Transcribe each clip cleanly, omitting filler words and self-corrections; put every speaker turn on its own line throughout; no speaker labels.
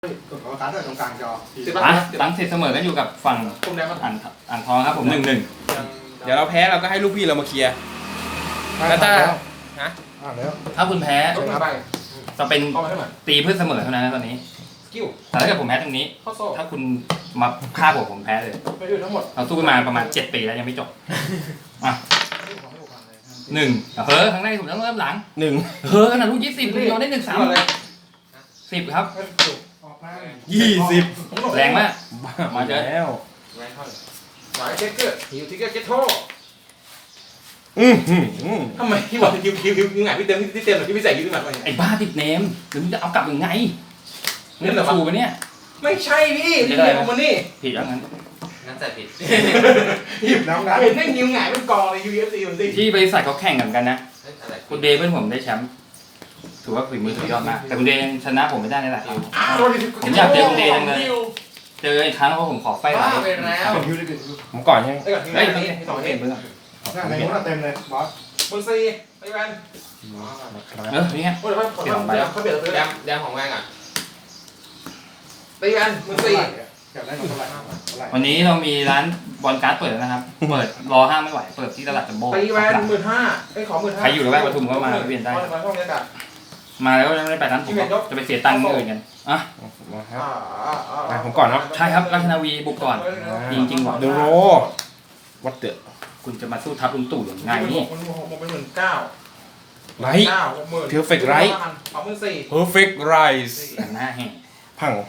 ขอการ์ดด้วยตรงกลางจอ
หลังเสร็จเสมอกันอยู่กับฝั่งอ่างทองครับผม1-1
เดี๋ยวเราแพ้เราก็ให้ลูกพี่เรามาเคลียร์แล้วถ้าฮะ
แล้ว
ถ้าคุณแพ้
ชนะไป
จะเป็นตีเพื่อเสมอเท่านั้นนะตอนนี้
กิ้ว
แต่ถ้าเกิดผมแพ้ตรงนี้
ข้อโซ่
ถ้าคุณมาฆ่าผมแพ้เลย
ไปอยู่ทั้งหมด
เราสู้กันมาประมาณ7 ปีแล้วยังไม่จบอ่ะ1ครั้งแรกผมต้องเริ่มหลัง ขนาดลูก20คุณยอมได้1-3 10ครับ
ออกมา
20
แรงมาก
มาแล้ว
แรงเท่าไหร่หมายเก็ตเกอร์ฮิวทิกเกอร์เก็ตโททำไมพี่บอกคิวไงพี่เต็มที่เต็มหรือพี่ใส่คิวขึ้นมา
ไอ้บ้าติดเนมหรือมึงจะเอากลับยังไงเล่นชูไปเนี่ย
ไม่ใช่พี่พี่เนมของมันนี่
ผิดแล้วงั้น
ใส่ผิด
หยิบน้ำน้ำเห็นได้ฮิวไงเป็นกองเลย UFC มันสิ
ที่บริษัทเขาแข่งกันนะ
อะไร
คุณเดย์เพื่อนผมได้แชมป์ถือว่าฝีมือสุดยอดมากแต่คุณเดย์ชนะผมไม่ได้นี่แหละผมอยากเจอคุณเดย์จังเลยเจออีกครั้งเพราะผมขอไฟไลท์
ไปแล้ว
เป็นฮิวได้เป็นฮิว
ผมก่อนใช่ไหม
เฮ้ย
สอง
เห็
เห็
น
น
เพื่อน
ในนู้นเต็มเลยบอสมือซีไปแวน
นี่ไง
โอ้ยเขาเปลี่ยนตัว
แดมของแม่งอ่ะ
ไปแวนมือซีอยากได้เท่าไหร่
วันนี้เรามีร้านบอลการ์ดเปิดแล้วนะครับเปิดรอห้างไม่ไหวเปิดที่ตลาดจัมโบ้
ตีแวน15,000ไอ้ของ15,000
ใครอยู่ระแวกปทุมก็มาเวียนได้
มาช่องนี้กัน
มาแล้วไม่ได้ไปร้านผมจะไปเสียตังค์อื่นกันอ่ะ
มาครับผมก่อนเนาะ
ใช่ครับราชนาวีบุกก่อนจริงๆหรอ
เดโรวัดเดอะ
คุณจะมาสู้ทัพลุงตู่ยังไงนี่
มันเป็น19,000
ไลท์ Perfect Right
24,000
Perfect Rise
หน้าแห้ง
พัง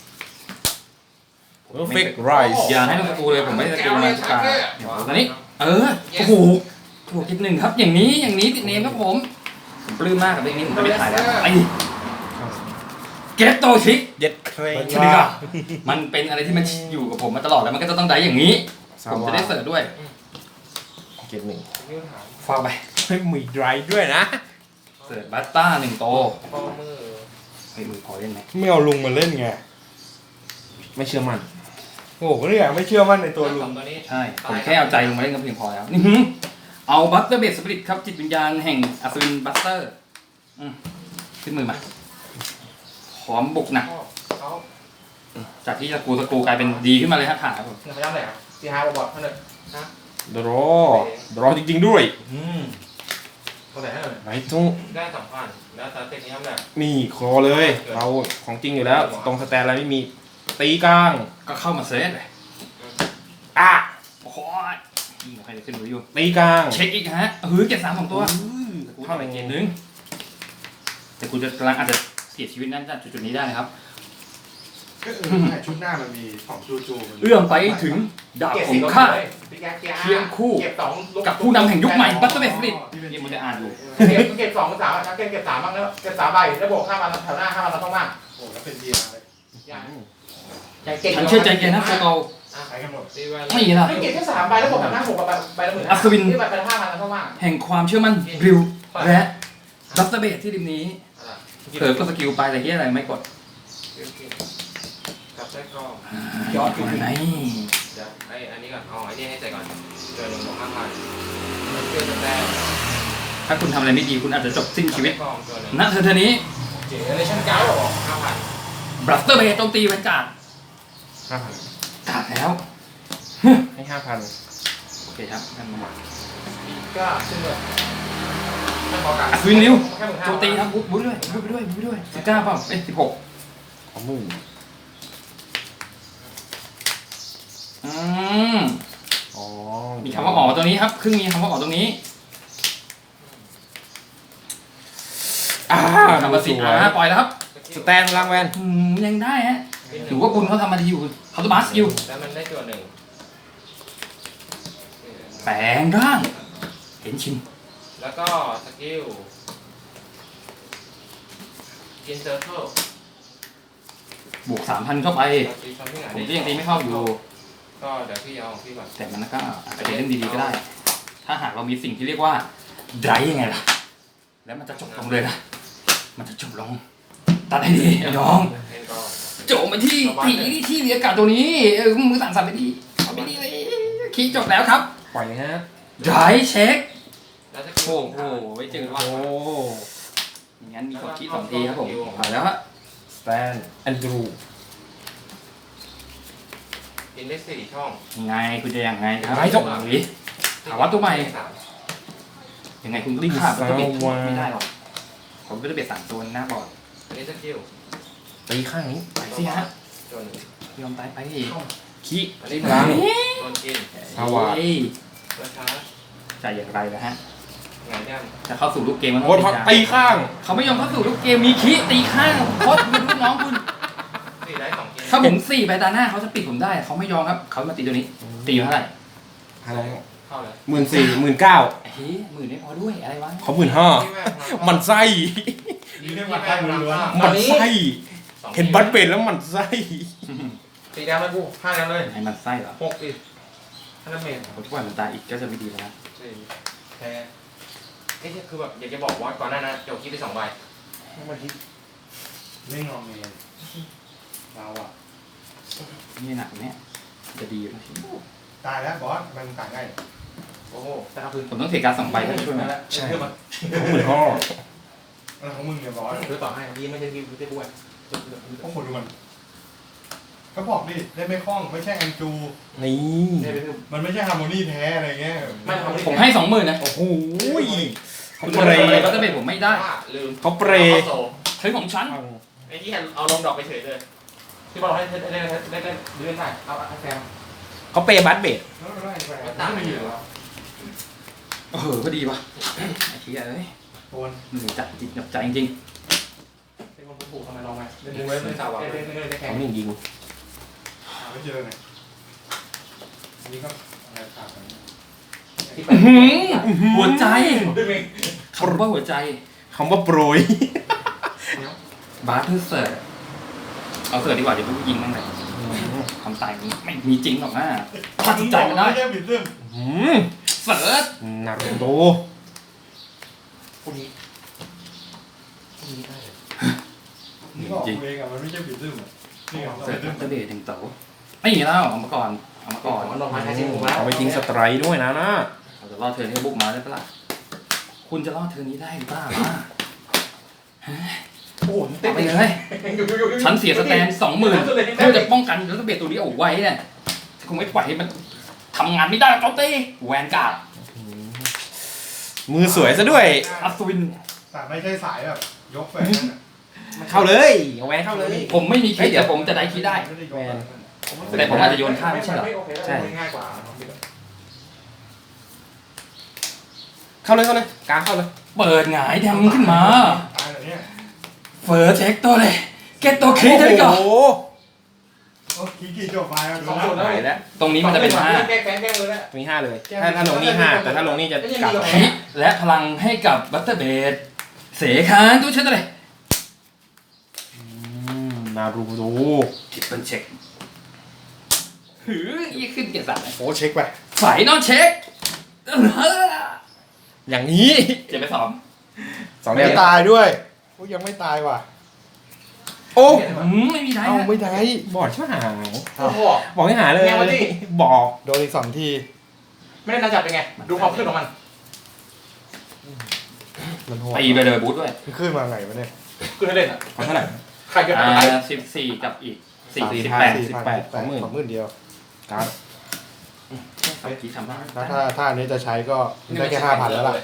Perfect Rise
อย่าให้ลูกสกูเลยผมไม่สกิลมาตาตอนนี้โอ้โหถูก1ครับอย่างนี้ติดเนมครับผมปลื้มมากกับเรื่องนี้ผมจะไปถ่ายแล้วไอ้เกตโตชิก
เย็ดเครน
ชนิกะมันเป็นอะไรที่มันอยู่กับผมมาตลอดแล้วมันก็จะต้องได้อย่างนี้ ผมจะได้เสิร์ฟด้วย
เก็บหนึ่ง
ฟาวไป
ไม่มีไดรฟ์ด้วยนะ
เสิร์ฟบัตต้า1 โต
ข้อมือ
เฮ้ยมือพอเล่นไหม
ไม่เอาลุงมาเล่นไงไม่เชื่อมั่นโอ้โหเนี่ยไม่เชื่อมั่นในตัวลุง
ตัวนี้
ใช่ผมแค่เอาใจลงมาเล่นก็เพียงพอแล้วเอาบัตเตอร์เบสสปิริตครับจิตวิญญาณแห่งอัศวินบัตเตอร์ขึ้นมือมาพร้อมบุกหนัก
เขา
จากที่สกูกลายเป็นดีขึ้นมาเลยครับขาผม
เงินพยัญชนะไหนครับซีฮาร์บอทเท่านั้น
เดรอจริงๆด้วย
เท่าไหร่เท่านั้น
ไหนทุ่ง
ได้2,000แล้วตาเต็กนี้ทำแบบ
นี่คอเลย เราของจริงอยู่แล้ว ตรงสแตนอะไรไม่มีตีกลาง
ก็เข้ามาเซตเลย
อ่ะ
โอ้โหยิงกับใครจะขึ้นหรืออยู่
ตีกลาง
เช็คอีกฮะเก็บ3 ของตัวกูเท่าไหร่เกมนึงแต่กูจะกำลังอาจจะเสียชีวิตนั่นจุดนี้ได้นะครับ
ชุดหน้ามันมี2จู
เอื้อมไปถึงดาบของข้าเคียงคู่
เก็บ2
กับผู้นำแห่งยุคใหม่บัตเตอร์เบสสปิริตยังมันจะอ่านอยู่
เก็บ2 3นะเก็บ3บ้างแล้วเก็บ3ใบแล้วบวก5 วันแถวหน้า5 วันเราต้องมากโอ้แล้วเป็นดีเลย
ฉันเชื่อใจแกนะโฟโต
ใช้กันหมด
ตีแวน
ไม่ละ
ไม่เก็บแค่3ใบแล้วบวกแถวหน้า6ใบละ10,000
อัศวิน
ที่ใบละ5 วันเราต้องมาก
แห่งความเชื่อมั่นบริวและบัตเตอร์เบสที่ริมนี้เผลอกดสกิลไปแต่เฮียอะไรไม่กด
กับไส้กรอก
ยอดอยู่ไหน
เดี๋ยวอันนี้ก่อนอันนี้ให้ใส่ก่อนเจอ1 บวก 5,000มันเชื่อจะได้
ถ้าคุณทำอะไรไม่ดีคุณอาจจะจบสิ้นชีวิต
กองตัวนึง
ณเธอนี้
เจเนเรชั่น9หรอ
5,000
บัตเตอร์เบสโจมตีบรรกาศ
5,000
กาดแล้ว
ให้ 5,000
โอเคครับงั้นมา
ก็ขึ้นเลยไม่พอกัน
อัศวินนิว
แค่15,000
โจมตีครับบุ๊บไปด้วย19เปล่า16
ของมึง อ๋อ
มีคำว่าอ๋อตรงนี้ครับครึ่งมีคำว่าอ๋อตรงนี้ คำว่าสินปล่อยแล้วครับ
สแตนล่างแวน
ยังได้ฮะถือว่าคุณเขาทำมาดีอยู่เขาต้องบัสอยู่
แล้วมันได้ตัว1
แปลงร่างเห็นชิน
แล้วก็สกิลกินเซอร์เคิล
บวก 3,000 เข้าไป
ตีคำที่ไหน
ผมก็ยังตีไม่เข้าอยู่
ก็เดี๋ยวพี่เอาของพี่ก่อน
แต่มันก็อาจจะเล่นดีๆก็ได้ ถ้าหากเรามีสิ่งที่เรียกว่าไดรยังไงล่ะ แล้วมันจะจบลงเลยนะมันจะจบลงตัดให้ดีไอ้น้อง
เล่นก็
โจมไปที่ที่มีอากาศตัวนี้มือสั่นไปดีเอาไปดีเลยคีย์จบแล้วครับ
ปล่อยฮะ
ไดรเช็ค
แล้วส
โอ้
กิล
โหไว้เจอว่า
โอ้
งั้นมีกดคีย์2 ทีครับผมเอาแล้วฮะ
แตนแอนดรู
อินได้4 ช่อง
ยังไงคุณจะยังไงครับไอ้จบหรือถามว่าตัวใหม่ ยังไงคุณก็ขาดบัตเตอร์เบดไม่ได้หรอกผมบัตเตอร์เบด3 ตัวหน้าบอร์ด
อันนี้สกิล
ตีข้างนี้
ไปสิฮะ
ตัวหนึ่ง
ยอมตายไปอีก
ขี้
อันนี้
ล้าง
โดนกิน
เอาว่ะ
เฮ้ย
ตัวชาร์จ
จะอย่างไรนะฮะ
งานย่
จะเข้าสู่ลูกเกมมัน
โคตรพักตีข้าง
เขาไม่ยอมเข้าสู่ลูกเกมมีคิตีข้างโคตรเป็นลูกน้องคุณ
ำ4 ได้ 2 เกม
ถ้าผม4 ไปตาหน้าเขาจะปิดผมได้เขาไม่ยอมครับเขามาตีตัวนี้ตีอยู่เท่าไหร่
อะไร
เข้าเลย
14,000
เฮ้ย10,000ไม่พอด้วยอะไรวะ
เขา15,000มันไส้
นี่เรียกว่าท่านล้วน
มันไส้เห็นบัตเบดแล้วมันไส้
สีแดงเลยกู5 แล้วเลย
ให้มันไส้เหรอ
6อีก5 เมตร
ผมทุกวันมันตายอีกก็จะไม่ดีแล้วนะ
แพ้ไอ้คือแบบอยากจะบอกว่าก่อนหน้านั้นเดี๋ยวคิดไป2 ใบ
มันคิดไม่งอเมนเราอ่ะ
นี่หนักเนี่ยจะดีนะ
ตายแล้วบอสมันตายง่าย
โอ้โห
แต่ครับคือ
ผมต้องเทการ2 ใบให้ช่วยไหม
ใช่
15,000
อะไรของมึงเนี่ยบอส
คือต่อให้ดีไม่ใช่ดีไม่ใช่บ้วย
ต้องหมดดูมันก็บอกดิเล่นไม่คล่องไม่ใช่แอนจู
นี่
มันไม่ใช่ฮาร์โมนีแท้อะไรเงี้ย
ไม่ทำ
ผมให้ 20,000นะ
โอ้โห
เขา
เขา
เป
เป
ร
ร
ย์
ย์
ก็จะเป็นผมไม่ได้
ลืม
เขาเปรย์
โซ่
เฮ้ยของฉัน
ไอ้ที่เอาลงดอกไปเฉยเลย
ที่บอกให้เล่นได้เอาแซม
เขาเปรย์บัตเบด
ไม่มีหรอ
ก็ดีว่ะไอ้เหี้ยเอ้ย
โอน
หนึ่งจัดจิตหนับใจจริง
เป็นคนผูกทำไมลองไหมเล่นเล่นสาวเล่นได้แข่ง
เขานี่ยิง
ไม่เจอไงอันนี้ก็อะไรต่างกัน
หัวใจคำว่าหัวใจ
คำว่าโปรย
บาร์เทอร์เสิร์ตเอาเสิร์ตดีกว่าเดี๋ยวมันยิงมั่งเลยความตายมันไม่มีจริงหรอกนะถ้าจิตใจมันได้
ไม่ใช่บิดซึม
เสิร์ต
นารูโต
พวกนี้นี่บอกเองอ่ะมันไม่ใช่บิดซึมอ่ะนี่ไง
เสิร์ตบัตเตอร์เบดถึงโตไม่อย่างนี้แล้วเอามาก่อนเอามาก่อน
มันลงมาใช้ที่ผมแล้ว
เอาไปทิ้งสไตรค์ด้วยนะ
เราจะรอดเทิร์นให้บุกมาได้ปะล่ะคุณจะรอดเทิร์นนี้ได้หรือเปล่าล่ะ
โอ้โห
เอาไปเลยฉันเสียสแตน 20,000เพื่อจะป้องกันบัตเตอร์เบดตัวนี้เอาไว้เนี่ยฉันคงไม่ปล่อยให้มันทำงานไม่ได้เจ้าตีแวนการ์ด
มือสวยซะด้วย
อัศวิน
แต่ไม่ใช่สายแบบยกแฟน
เข้าเลยเอาแวนเข้าเลย
ผมไม่มีคิดแต่ผมจะได้คิดได้ แต่ผมอาจจะโยนข้ามไม่ใช่เหรอ
ใช่
ง่ายกว่า
เข้าเลยกลางเข้าเลย
เปิดหงายแดมขึ้นมา
ตายแบบนี้
เฟิร์สเช็คตัวเลยเก็ตตัวคลิกเลยก่อน
โอ้โห
โอ้กี่จบไปอ่ะ
หายแล้ว
ตรงนี้มันจะเป็น5
แก้แก้มือแล้ว
มี5เลย ถ้าลงนี่5แต่ถ้าลงนี่จะกลับ
คิและพลังให้กับบัตเตอร์เบดเสคานตัวเช็คตัวเลย
นารูโต
ทิปเปิลเช็คหือยี่ขึ้นเกียร์3เลย
โอ้เช็คไป
ฝ่ายนอกเช็ค
อย่างนี้
เจ็บไป2
2
ไม่
เดือน
ตายด้วยโอ้ยังไม่ตายว่ะ
โอ้
ไม่มีได้
เอา
นะ
ไม่ได้บอดช่วยหา
โอ้โห
บอกให้หาเลย
แง่มาดิ
บอก
โดนอีก2 ทีไม่ได้น่าจับเป็นไงดูความขึ้นของมันมันโหด
ตีไปเลยบูทด้วย
มันขึ้นมาไงวะเนี่ยขึ้นให้เล่นอ่ะ
เท่าไหร่
ใครเกิดอะไร
14กับอีก
18
20,000เดียว
การ์ด
3ทีทำได้
แล้วถ้าอันนี้จะใช้ก็ได้แค่5,000แล้วล่ะ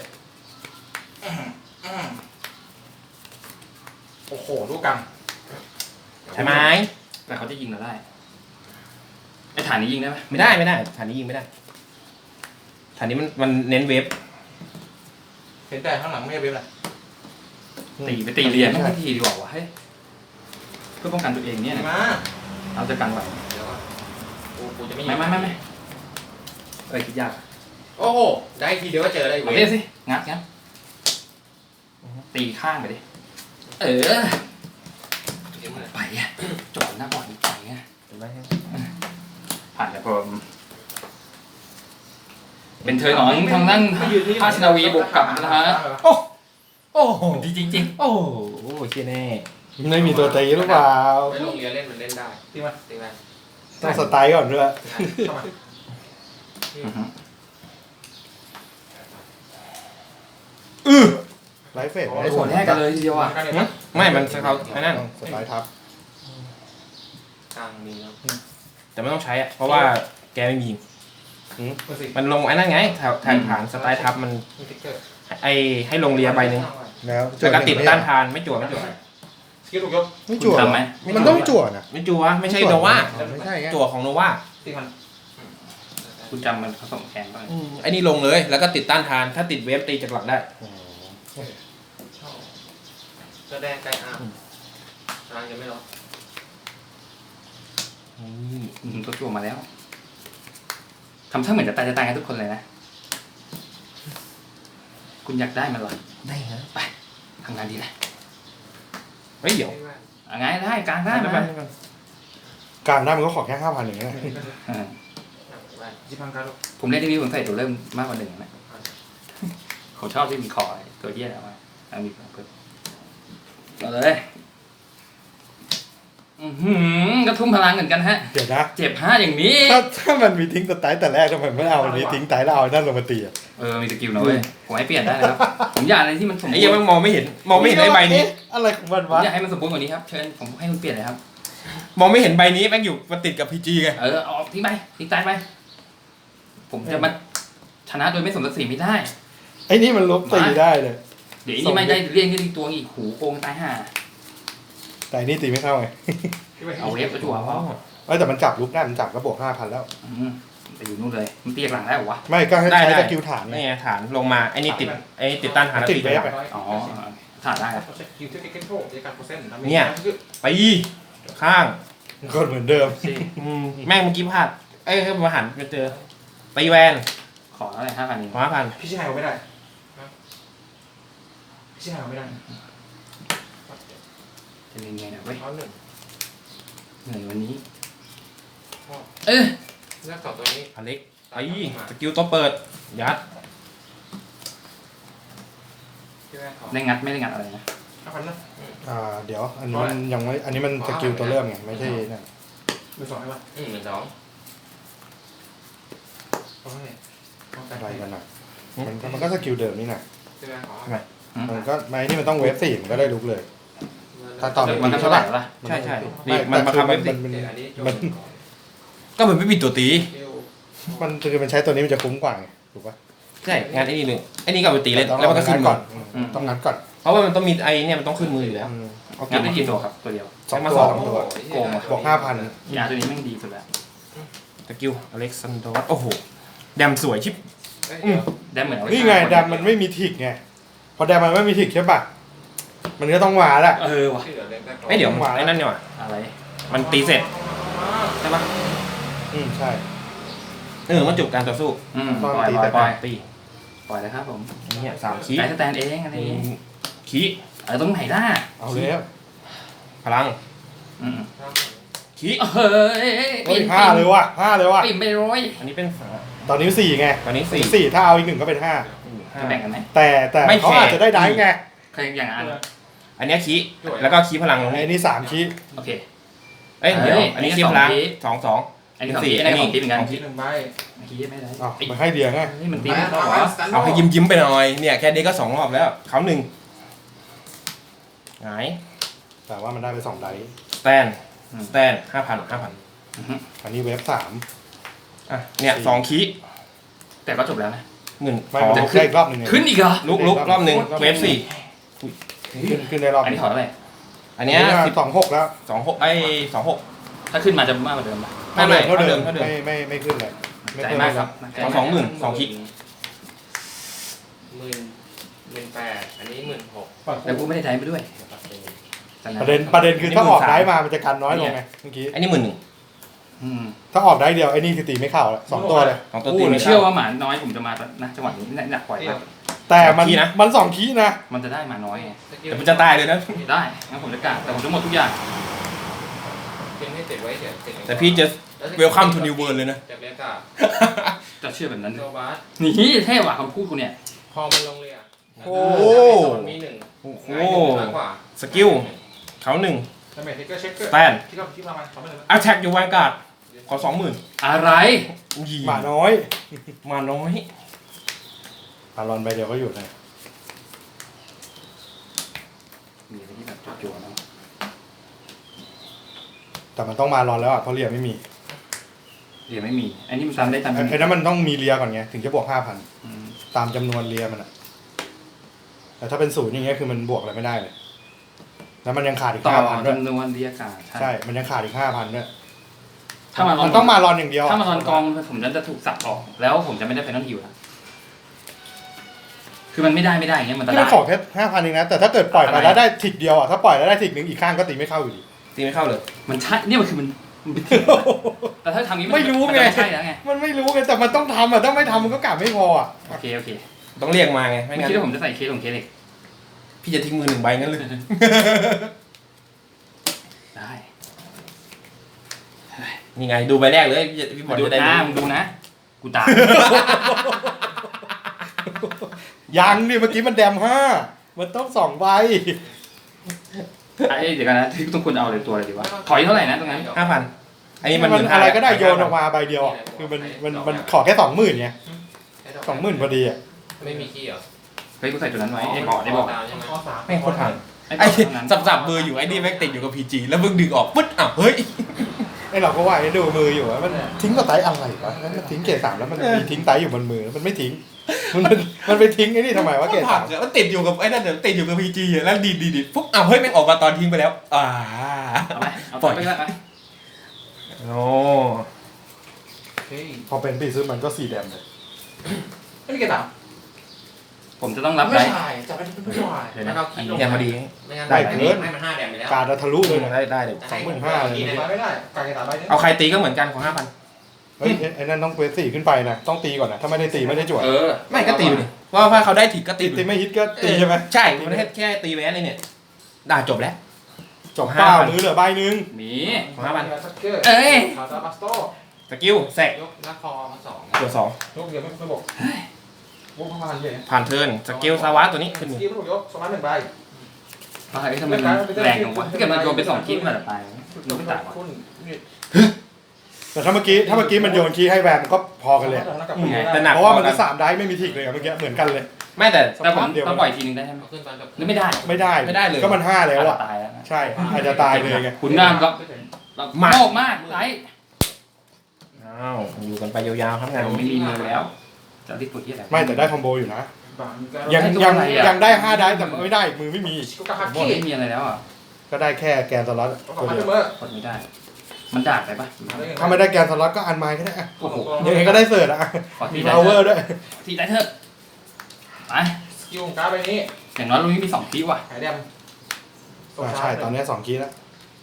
โอ้โหลูกกรรม
ใช่ไหม
แต่เขาจะยิงเราได้ไอ้ฐานนี้ยิงได้ไหม
ไม่ได้ฐานนี้ยิงไม่ได้ฐานนี้มันเน้นเวฟ
เห็นแต่ข้างหลังไม่ใช่เว็บเลย
ตีเรียนไม่ทีดีกว่าวะเฮ้ยเพื่อป้องกันตัวเองเนี่ยนะ
มา
เอาจะกันไหว
เดี๋ยวกูจะไม่
ไม่คิดยาก
โอ้โหได้ทีเดียวก็เจอเลย
เอาเรียสิงัดตีข้างไปดิไปอ่ะจอดหน้าบอดไปอ่ะ
เห็นไหม
ผ่านแต่ผมเป็นเธอของทางด้านภาชนาวีบุกกลับนะฮะ
โอ้โห
ดีจริง
โอ้โหเชี่ยแน่
ไม่มีตัวตีหรือเปล่า
ไปโรงเรียนเล่นมันเล่นได้
ตีมา
ตีไหม
ต้องสไตล์ก่อนด้วย ไลฟ์เฟส
ๆโอ้โหแลกกันเลยทีเดียวอ่ะ
ไม่มันเขาไอ้นั่น
สไตล์ทับ
กลางมีแล้ว
แต่ไม่ต้องใช้อะเพราะว่าแกไม่มียิง
เบอร์สี่
มันลงไอ้นั่นไงฐานสไตล์ทับมัน
มีติ๊กเกอร์
ให้ลงเรียใบหนึ่ง
แล้ว
แล้วก็ติดต้านทานไม่จั่วไม่จั่ว
สกิลถูกยก
ไม่จั่ว
ทำไหม
มันต้องจั่วนะ
ไม่จั่วไม่ใช่โนวา
ไม่ใช่ไง
จั่วของโนวา
4,000
คุณจำมันผสมแกนบ้าง
ไอ้นี่ลงเลยแล้วก็ติดต้านทานถ้าติดเวฟตีจากหลักได้
ชอบแสดงไกลอาร์มกลางยังไม่รอ
ตัวจั่วมาแล้วทำท่าเหมือนจะตายกันทุกคนเลยนะ คุณอยากได้มันเหรอ
ได้ฮะ
ไปทำงานดีเลย
เฮ้ยเดี๋ยว
เอาไงได้กลางได้
ได้
นะ
ไหม
กลางได้มันก็ขอแค่5,000อย่างเงี้ย
เออ
10,000ครับ
ผมเล่นที่วิวผมใส่ตัวเริ่มมากกว่าหนึ่งนะผมชอบที่มีคอตัวเยี่ยแล้วมีเพิ่มเอาเลยกระทุ่มพลังเหมือนกันฮะ
เดี๋ยวนะ
เจ็บ5อย่างนี้
ถ้ามันมีทิ้งสไตล์แต่แรกทำไมไม่เอาอันนี้ทิ้งสไตล์แล้วเอานั่นลงมาตีอ่ะ
มีสกิลนะเว้ยผมให้เปลี่ยนได้นะครับผมอยากอะไรที่มันสมบู
ไอ้
ร
เหี้ยัง
ณ์
มันมองไม่เห็นไอ้ใบนี้
เอ๊ะอะไรของมัน
ผม
วะ
อยากให้มันสมบูรณ์กว่านี้ครับเชิญผมให้คุณเปลี่ยนเลยครับ
มองไม่เห็นใบนี้แม่งอยู่มันติดกับพีจีไง
เอาทิ้งไปทิ้งตายไปผมจะมาชนะโดยไม่สมศักดิ์ศรีไม่ได้
ไอ้นี่มันลบตีได้เลย
เดี๋ยวนี้ไม่ได้เรียกที่ตัวอีกหูโกงตายห่า
แต่อันนี่ตีไม่เข้าไง
เอาเวฟตัวจั่วพอ
แต่มันจับลุกได้มันจับก็บวก5,000แล้ว
ไปอยู่นู่นเลยมันตีหลังได้หรอวะ
ไม่ก็ให้
ได้
ใช้
ได้
สกิลฐานไง
นี่ไงฐานลงมาไอ้นี่ติดต้านทานแล้ว
ติด
ตี
เวฟ
ไป
อะ
อ๋อถ่าได้ครับ
เช็คคิวที่เก็ตโชคในการโปรเซ็นต์
ตีข้าง
ก็เหมือนเดิม
แม่งเมื่อกี้พลาดให้มาหันไปเจอตีแวน
ขอเท่าไหร่5,000เอง
5,000
พี่ชิไฮเอาไม่ได้พี่ชิไฮเอาไม่ได้
จะเรียนไงนะเว้ย
เอาหนึ่ง
เหนื่อยวันนี้
เลือก2ตัวนี้
อเล็กสกิลตัวเปิดยัด
ที่แรกขอ
ได้งัดไม่ได้งัดอะไรนะ
5,000นะ
เดี๋ยวอันนี้มันยังไม่อันนี้มันสกิลตัวเริ่มไงไม่ใช่นั่น
มือสองใช่ป่ะ
12,000
เอาให้
อะไรกันอ่ะมันก็สกิลเดิมนี่นะ
ที่แรกขอ
มันก็ไม่นี่มันต้องเวฟ4มันก็ได้ลุกเลย ถ้าตอน
มันเท่าไหร่ละ
ใช่ใช่
ไม่
นี่มันมาทำ
มั
เว็
น
บ
มัน
อันนี้
มัน
ก็เหมือนไม่มีตัวตี
มันคือมันใช้ตัวนี้มันจะคุ้มกว่าไงถูกปะ
ใช่งานไอ้นี่เลยไอ้นี่ก็เอาไปตีเลยแล้วมันก็ขึ้น
ก่
ก่
อ
อน น
ต้องงัดก่อน
เพราะว่ามันต้องมีไอ้เนี่ยมันต้องขึ้นมืออยู่แล้ว เอา
งัดได้กี่ตัวครับตัวเดียว
สอง
มา
ตัว
สอง
2 ตัว
โกงว่ะ
บวก5,000
ยาตัวนี้แม่งดีสุดแล้ว
สกิลอเล็กซานดอร์โอ้โหแดมสวยชิบ
ได้เหมือน
นี่ไงแดมมันไม่มีทิกไงพอแดมมันไม่มีทิกใช่ปะมันก็ต้องมาละ
ว่ะ
ที่เหลือเล็กได้ก่อน
ไม่เดี๋ยวไอ้นั่นเนี่ยว่ะ
อะไร
มันตีเสร็จใช่ปะ
ใช่
มันจบการต่อสู้
ปล่อย
ตี
ปล่อยเลยครับผม
อันนี้3คี
ไก่สแตนเองอันนี้
คี
ตรงไหนได้
เอาแล้ว
พลังคี
เฮ้ย
5เลยว่ะ5เลยว่ะ
ปิ่มไปร้อย
อันนี้เป็น
ตอนนี้4ไง
ตอนนี้
4ถ้าเอาอีก1ก็เป็น5
จะแบ่งกันไหม
แต่เขาอาจจะได้ได้ไง
เคยอย่างนั้น
อันนี้คีแล้วก็คีพลัง
ไอ้นี่3คี
โอเค
เอ้ยเดี๋ยวอันนี้คีพลัง2
อันนี้4อันนี้ของตีเหมือนกัน
คิด1ใบ
คีไม่ได้
อ๋อมันให้เดียงไง
นี่มันตีไม่ได้หรอ
เอาให้ยิ้มไปหน่อยเนี่ยแค่นี้ก็2 รอบแล้วเขา1หงาย
แต่ว่ามันได้ไป2ไดส์
สแตน5,000
อันนี้เวฟ3
อ่ะเนี่ย2คี
แต่ก็จบแล้วนะ
เงิน
ไม่มันได้อีกรอบหนึ่งไง
ขึ้นอีกเหรอ
ลุกรอบหนึ่งเวฟ4
ขึ้นได้รอบ
อันนี้ถอดอะไร
อันเนี้ย
26แล้ว
2626
ถ้าขึ้นมาจะมากกว่าเดิมป่ะ
เท่าเดิมไม่ขึ้นเลย
ใจมากครับ
2 คลิก
18,000อันนี้16,000
แต่กูไม่ได้ใช้ไปด้วย
ประเด็นคือถ้าออกได้มามันจะกันน้อยลงไงเมื่อกี้
อันนี้11,000
ถ้าออกได้เดียวไอ้นี่คือตีไม่เข้าแล้ว2ตัวเลย
2 ตัว
ผ
ตี
ม
ไม่
เชื่
เชื่
อ
อ
ว่าหมาน้อยผมจะมานะจังหวะนี้หนักปล่อยครับ
แต่มัน
คีย์นะ
มัน2คีย์นะ
มันจะได้หมาน้อยไง
แต่มันจะตายเลยนะ
ได้งั้นผมจะกะแต่ผมจะหมดทุกอย่าง
เป็นให้ติดไว้เดี๋ยวติด
แต่พี่จะ welcome to new world เลยนะ
จากเรียกอะ
จะเชื่อแบบนั้น
โซบาส
นี่เท่ว่ะคำพูดกูเนี่ย
พอมันลงเรีย
โอ้
มันมี1
โอ้โห
มากกว่า
สกิลเขา1
ดาเมจเทคเกอร์เช็คเกอร์
สแตน
คิดประมาณ2,000เลย
attack อยู่วางการ์ดขอ 20,000
อะไร
หมาน้อย
มาน้อย
อารอนไปเดียวก็อยู่นะ
มีอะไรที่แบบจั่วๆนะ
แแต่มันต้องมารอนแล้วอ่ะเพราะเรียไม่มี
เรียไม่มีอันนี้มันตามได้ตาม
ไอ้นั้นมันต้องมีเรียก่อนไงถึงจะบวก
อืม
5,000ตามจำนวนเรียมันอ่ะแต่ถ้าเป็น0อย่างเงี้ยคือมันบวกอะไรไม่ได้เลยแล้วมันยังขาดอีก
ต่อ
5,000ด้วย
จำนวนเรียกาศ
ใช่มันยังขาดอีก5,000ด้วย
ถ้ามัน
มันต้องมารอนอย่างเดียว
ถ้ามารอนกองผมจะถูกสับออกแล้วผมจะไม่ได้ไฟนอลฮิวนะคือมันไม่ได้อย่างเงี้ยมันจะ
ที่
ได้
มันขอแค่5,000เองนะแต่ถ้าเกิดปล่อยไปแล้วได้ทิกเดียวอ่ะถ้าปล่อยแล้วได้ทิกหนึ่งอีกข้างก็ตีไม่เข้าอยู่ดี
ตีไม่เข้าเลย
มันใช่เนี่ยมันคือมันเป็นทิกแต่ถ้าทำอย่างนี้
ไม่รู้
น
ไง
จะใช่แล้วไง
มันไม่รู้ไงแต่มันต้องทำอ่ะถ้าไม่ทำมันก็กลับไม่พออ่ะ
โอเค
ต้องเรียกมาไงไม่
ไม่
งั้น
คิดว่าผมจะใส่เคสของเคสเล็ก
พี่จะทิ้งมือ1 ใบงั้นเลย
ได้
นี่ไงดูใบแรกเลยพี่บอล
ดู
จะได้
นะ
รู้
มึงดูนะกูตาย
ยังนี่เมื่อกี้มันแดม5มันต้อง2 ใบ
ไอ้เดี๋ยวกันนะที่ต้องควรเอาเลยตัวอะไรดีวะถอยเท่าไหร่นะตรงนั้น
5,000อันนี้มัน
อะไรก็ได้โยนออกมาใบเดียวอ่ะคือมันขอแค่20,000ไง20,000พอดีอ่ะ
ไม่มีขี้เหรอ
เฮ้ยกูใส่ตัวนั้นไว้ไอ้บอก
ดาวใช่ไหม
ข้อ3
ไม่งโคตรผ่าน
ไอ้
ไอ้
ตัวนั้น
สับๆมืออยู่ไอ้นี่แม่งติดอยู่กับ PG แล้วมึงดึงออกปึ๊ดอ้าวเฮ้ย
ไอเราก็ว่าไอ้ดูมืออยู่ว่ามันทิ้งกับไตอะไรวะแล้วมันทิ้งเกรด3แล้วมันมีทิ้งไตอยู่บนมือมันไม่ทิ้งมันไปทิ้งไอ้นี่ทำไมวะเกรด
ผ่านมันติดอยู่กับไอ้นั่นเดี๋ยวติดอยู่กับ PG อะแล้วดีปุ๊บอ้าวเฮ้ยแม่งออกมาตอนทิ้งไปแล้ว
เอาไหมเอา
ปล่อย
ไปก็ได้
โอ้
เฮ้ย
พอเป็นปีซื้อมันก็4 แดมเลย
ไม่มีเกรด3
ผมจะต้องรับ
ไม่
ได้
ใช่จะไปเป็นผู้ชาย
เดี๋ยว
แล้
นะ
วก็ขี้ลง
เนี่ยพอดี
ไม่งั้น
ได้เกิน
ให้มัน5 แดมไปแล้ว
การทะลุเลยนะ
ได้เดี๋ยว
25,000เลย
ไปไม่ได้การเกรด3ใบนึง
เอาใครตีก็เหมือนกันของ 5,000
เฮ้ยไอ้นั่นต้องเควส4ขึ้นไปนะต้องตีก่อนนะถ้าไม่ได้ตีไม่ได้จวด
ไม่ก็ตีไปดิเพราะว่าเขาได้ถิกก็ตี
ตีไม่ฮิตก็ตีใช่ไหม
ใช่มันแค่ตีแวนนี่เนี่ยด่าจบแล้ว
จบเป้ามือเหลือใบหนึง
หมี
ของ5,000
ซักเกอร์
เอ้ย
คาซาบัสโต
สกิลแซก
ยกนักคอมา2
ตัว
ยกเดียวไม่บอกวงพลังเยอะ
2ผ่านเทิร์นสกิลซาวะตัวนี้ขึ้น
ส
มือ
กิลไม่ถูกยกสมัคร1 ใบ
ทำไมมันแรงของวะถ้าเกิดมันโยนไป2คลิปมันจะตายมันไม่ตายวะ
คุณ
แต่ถ้าเมื่อกี้มันโยนคีย์ให้แวนมันก็พอกันเลย
แต่หนัก
เพราะว่ามันก็3 ได้ไม่มีทิกเลยอะเมื่อกี้เหมือนกันเลย
ไม่แต่
แต่ผมต้องปล่อยทีนึงได้ใช่ไหม
เอาขึ้นตอนจบ
หรือไม่ได้
ไม่ได้
ไม่ได้เลย
ก็มัน5แล้วอ่ะ
ตายแล้ว
ใช่อาจจะตายเลยไง
คุณน้ำก็โลกมากไร
อ้าวอยู่กันไปยาวๆครับงาน
ผมไม่มีมือแล้วจะรีบปวดที่อะไร
ไม่แต่ได้คอมโบอยู่นะ
ยัง
ยังได้5 ได้แต่ไม่ได้มือไม่มี
กูกระหัก
หมด
ขี้
ไม่มีอะไรแล้วอ่ะ
ก็ได้แค่แกนสล็อต
ต้อง
ตัว
มา
เดี
เส
ยว
มอ
กดไม่ได้ มันดาดไปปะ
ถ้าไม่ได้แกนสล็อตก็อันไม้ก็ได้อะ
โอ้โห
ยังไงก็ได้เสิร์ตอะ
ขอที
มี
ได้
พาวเวอร์ด้วย
ทีได้เถอะไป
สกิลของการ์ดใบนี้
อย่างน้อยลุงนี้มี2คลิปว่ะ
หายแดม
ใช่ตอนนี้2 คีย์แล้ว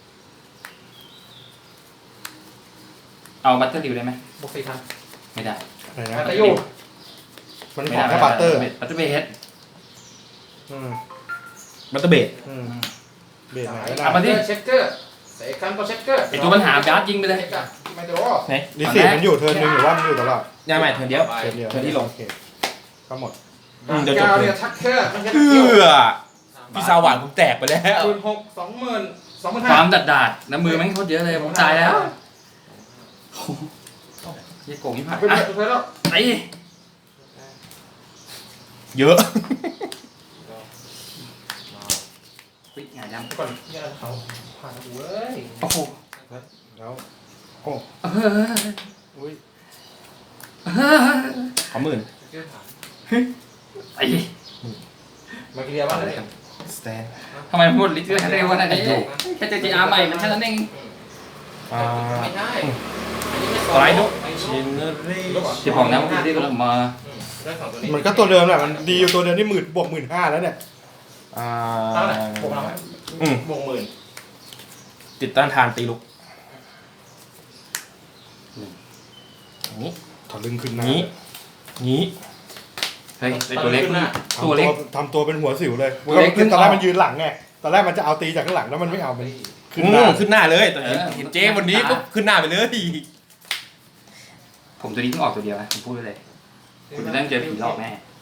เอาบัตเตอร์ดิวได้ไหม
บวก4,000
ไม่ได้
อะไรนะ
แต่อยู่
มันขอแค่บัตเตอร์
บัตเตอร์เบส
อืม
บัตเตอร์เบด
อืมเบรกไหนก็
เอามา
ได้
ดิ
เช็คเกอร์เสกกันตัวเช็คเกอร์
ไอตัวปัญหาการ์ดยิงไปเลย
ไม่โดน
ลิซี่มันอยู่เทิร์นหนึงหรือว่ามันอยู่ตลอด
ยังไม่เทิร์นเดียว
เทิร์นเดียว
เทิร์นที่ลง
โอเคก็หมด
เดี๋ยวจบ
กาวเนี่ยชักเกอร์มันจะ
เอื้อพี่สาวหวานผมแตกไปแล้ว
คูณ6 20,000
ความดัดน้ำมือแม่งโคตรเยอะเลยผมตายแล้วยี่โกงยี่ห้า
ไปเลยไปแล้ว
ไอ้
เยอะ
ปิ๊กไงดำ
ก่อนเนี่ยเขาผ่านเว้ย
โอ้โห
แล้วโอ้อุ้ย
ขอ10,000
เกอร์ผ่าน
ไอ้
มาเกียร์บ้างเลย
สแตน
ทำไมพูดลิตรเร็วขนาดนี้แค่เจอจีอาร์ใหม่มันแค่นั้นเอง
ไม่ใช่อันนี้ไม่
สไลด์ดุ
ไม่
ชินเนอรี่
ที่บอกนะว่าที่ก็มา
ได้2ตัวนี้
มันก็ตัวเดิมแหละมันดีอยู่ตัวเดิมนี่บวก 15,000แล้วเนี่ย
เท่าไหร่บวกเราบวก10,000
ติดต้านทานตีลุกนี้
ถอดลึงขึ้นหน้า
นี้นี้
เฮ้ยไอตัวเล็กตัวเล็ก
ทำตัวเป็นหัวสิวเลย
ตัวเล็กขึ้น
ตอนแรกมันยืนหลังไงตอนแรกมันจะเอาตีจากข้างหลังแล้วมันไม่เอามันขึ้นห
ขึ้
น้า
ขึ้นหน้าเลยตอนเห็นเจ๊วันนี้ปุ๊บขึ้นหน้าไปเลย
ผมตัวนี้เพิ่งออกตัวเดียวนะผมพูดเลยคุณจะต้องเจอผีหลอกแน่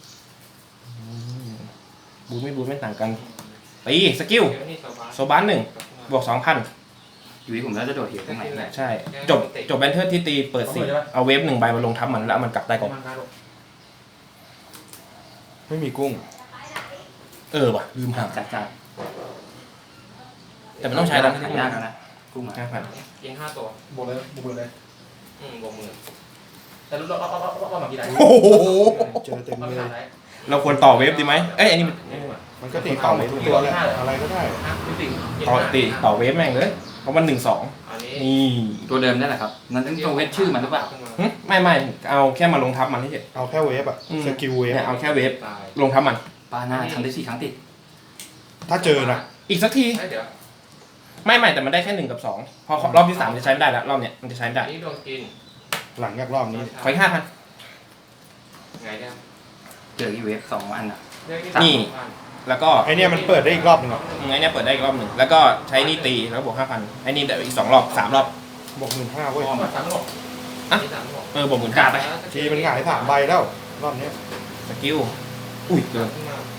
บูไม่ต่างกันตีสกิล
เดี๋ยวนี่โซบา
โซบัน1บวก 2,000
อยู่ที่ผมแล้วจะโดดเหวตรงไหนเนี่ย
ใช่จบแบนเทอร์ที่ตีเปิด4เอาเวฟ1 ใบมาลงทับมันแล้วมันกลับได้ก่อน
ไม่มีกุ้ง
ว่ะลืมหา
จัด
แต่มันต้องใช้แล้ว
หายากแล้วนะกุ้งอ่ะ
ยิง5 ตัว
บวกเลยบวกเลย
บวกมือ
แต่รู้ว่ามากี่ได้
โอ้โห
เจอเต็มเลย
เราควรต่อเวฟดีไหมเอ้ยอันนี้มัน
มันก็ตีต่อไปทุกตัวแหละอะไรก็ได้
ต่อเวฟแม่งเลยเพราะมัน1-2
อันนี้
นี่
ตัวเดิมนั่นแหละครับนั่นต้องตัวเวทชื่อมันหรือเปล่า
ไม่เอาแค่มาลงทับมันเฉย
เอาแค่เวฟอะสกิลเวฟ
เนี่ยเอาแค่เวฟ
ตาย
ลงทับมัน
ปาหน้าทำได้4 ครั้งติด
ถ้าเจอนะ
อีกสักที
เดี๋ยว
ไม่แต่มันได้แค่1 กับ 2พอรอบที่3จะใช้ไม่ได้แล้วรอบเนี้ยมันจะใช้ไม่ได้
อันนี้โดนกิน
หลังจากรอบนี้
ขออีก5,000
ไงเนี่ย
เจอที่เวฟ2 อันอ่ะ
นี่ แล้วก็
ไอเนี่ยมันเปิดได้อีกรอบหนึงอะ
ไอ้เนี่ยเปิดได้อีกรอบหนึ่งแล้วก็ใช้นี่ตีแล้วบวก5,000ไอ้นี่ได้อีก2 รอบ 3 รอบ
บวก15,000เว้ย
สามหก
ที่3
บวก15,000ไป
ทีมันหงาย3 ใบแล้วรอบเนี้ย
สกิลอุ้ยเกิน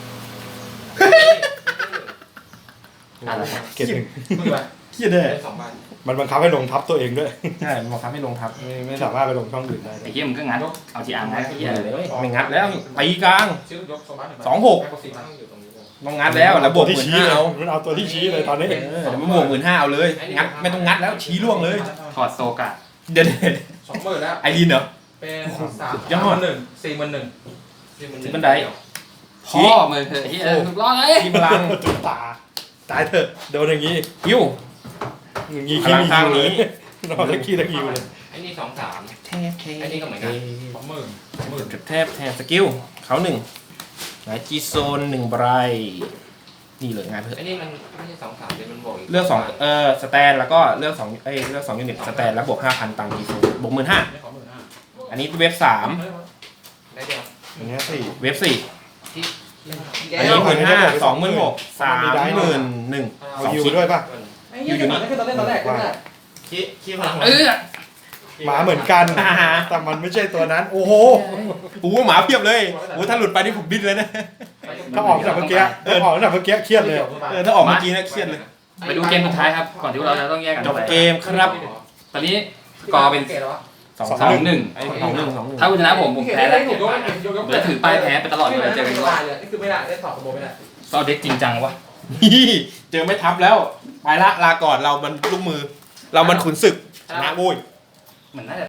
อะไร
เกรดหนึ่ง
มึงไป
เครียดเลย
ได้2 ใบ
มันบังคับให้ลงทับตัวเองด้วย
ใช่มันบังคับให้ลงทับ
ไม่สามารถไปลงช่องอื่นได้
ไอ้เหี้ยมึงก็งัดเอาที่อ่างงัดไอ้เหี้ยเลย
ไม่งัดแล้วตีกลาง
ชื่อยกโซบัส
2-6
ต้องอยู่ตรงนี้ด้วย
ต้องงัดแล้วแล้วบวก
ที่ชี้
15,000
เลย
เอา
มันเอาตัวที่ชี้เลยตอนนี้
เดี๋ยวมันบวก15,000เอาเลยงัดไม่ต้องงัดแล้วชี้ล่วงเลย
ถอดโซกะ
เดี๋ยว
20,000แล้ว
ไอรีนเหรอ
เป็น
ยอด
31,000
บันได
พ่อมึงเถอะไอ้เหี้ยถูกล้อเลย
ทีพลัง
จุดตาตายเถอะโดนอย่างนี้
ฮิว
อย่างนี้
พ
ขี้
ลัง
มี
ข้าง
คิวเล
นี้
ยนอนตะขี้ตะคิวเลย
ไอ้นี่2 3 อันนี้ก็เหมือนกัน
แทบสกิลเขา1ไหนจีโซน1ใบนี่เลยงานเถอะ
ไอ้นี่มันไม่ใช่2 3เลยมันบวกอีก
เลือก2สแตนแล้วก็เลือก2เลือก2ยูนิตสแตนแล้วบวก 5,000ตังค์จีโซนบวก 15,000อันนี้เว็บ3
ได้เดียว
อันเนี้ยสี่
เว็บ4
ที่
อันนี้15,000 26,000 31,000
เอาฮิวด้วยป่ะ
อยู่นี่คือตอนแรกก็ได้
ขี้พลัง
หมาเหมือนกัน แต่มันไม่ใช่ตัวนั้น โอ้โห
โอ้หมาเพียบเลยโอ้ถ้าหลุดไปนี่ผมบินเลยนะ
ถ้าออกจากเมื่อกี้เครียดเลย
ถ้าออกเมื่อกี้นะเครียดเลย
ไปดูเกมสุดท้ายครับก่อนที่เราจะต้องแยกกัน
จบเกมครับ
ตอนนี้สกอร์เป็น 2-1
ไอ้2-1
ถ้าคุณชนะผมแพ้แล้วผมจะถือป้ายแพ้ไปตลอดเลยเจอกัน
ไม่ได้เลยนี่คือไม่ได้ได้สอบขโมยไม่ได้
ก็เด็กจริงจังวะ
เจอไม่ทับแล้วไปละลาก่อนเรามันลูกมือ เรามันขุนศึกชนะโว้ย
เหมือนน่าจะ